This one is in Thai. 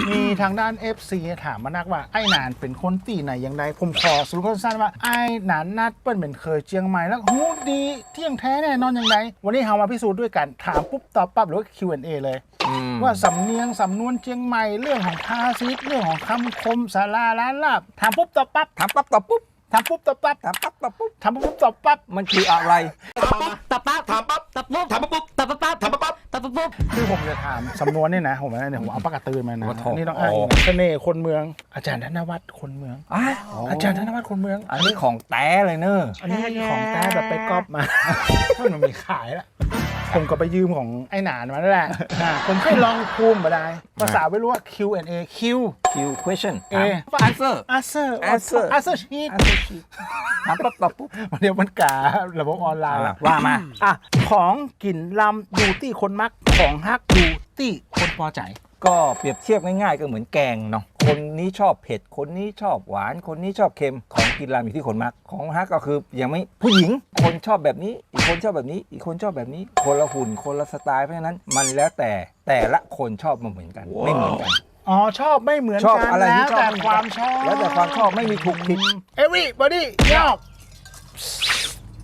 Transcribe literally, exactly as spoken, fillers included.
มีทางด้าน เอฟ ซี ถามมานักว่าไอ้หนานเป็นคนตีไหนอย่างไรผมขอสรุปสั้นๆว่าไอ้หนานนัดเปิ้ลเป็นเคยเจียงใหม่แล้วหูดีเที่ยงแท้แน่นอนอย่างไรวันนี้เรามาพิสูจน์ด้วยกันถามปุ๊บตอบปั๊บหรือว่า คิว แอนด์ เอ เลยว่าสำเนียงสำนวนเจียงใหม่เรื่องของภาษิตเรื่องของคำคมสาราล้านลาบถามปุ๊บตอบปั๊บถามปั๊บตอบปุ๊บถามปุ๊บตอบปั๊บถามปั๊บตอบปุ๊บถามปุ๊บตอบปั๊บมันคืออะไรตับปั๊บถามปั๊บตับปุ๊บถามปั๊บตับปั๊บถามปั๊บตับปุ๊บคือผมจะถามสำนวนเนี่ยนะผมนะเนี่ยผมเอาปากกาตื่นมานะโอ้โหนี่ต้องอ้างอิงเสน่ห์คนเมืองอาจารย์ธนวัฒน์คนเมืองอ่ะอาจารย์ธนวัฒน์คนเมืองอันนี้ของแต้เลยเนอะอันนี้ของแท้แบบไปก๊อปมา มันมีขายแล้วผมก็ไปยืมของไอ้หนานมาแล้วแหละอ่าผมเคยลองภูมิมาได้ ภาษาไม่รู้ว่า คิว แอนด์ เอ Q Q question A answer answer Answer answer sheet ถามปั๊บตอบปุ๊บเดี๋ยวมันการะบบออนไลน์อ่ะว่ามาอ่ะของกินลำอยู่ที่คนมักของฮักอยู่ที่คนพอใจก็เปรียบเทียบง่ายๆก็เหมือนแกงเนาะคนนี้ชอบเผ็ดคนนี้ชอบหวานคนนี้ชอบเค็มของกินรามอยู่ที่คนมักของฮักก็คืออย่างไม่ผู้หญิงคนชอบแบบนี้ อีกคนชอบแบบนี้ อีกคนชอบแบบนี้ คนละหุ่นคนละสไตล์เพราะฉะนั้นมันแล้วแต่แต่ละคนชอบมาเหมือนกัน ไม่เหมือนกันอ๋อ ชอบไม่เหมือนชอบกันอะไรที่แล้วชอบแต่ความชอบแล้วแต่ความชอบไม่มีถูกผิด everybody ยอก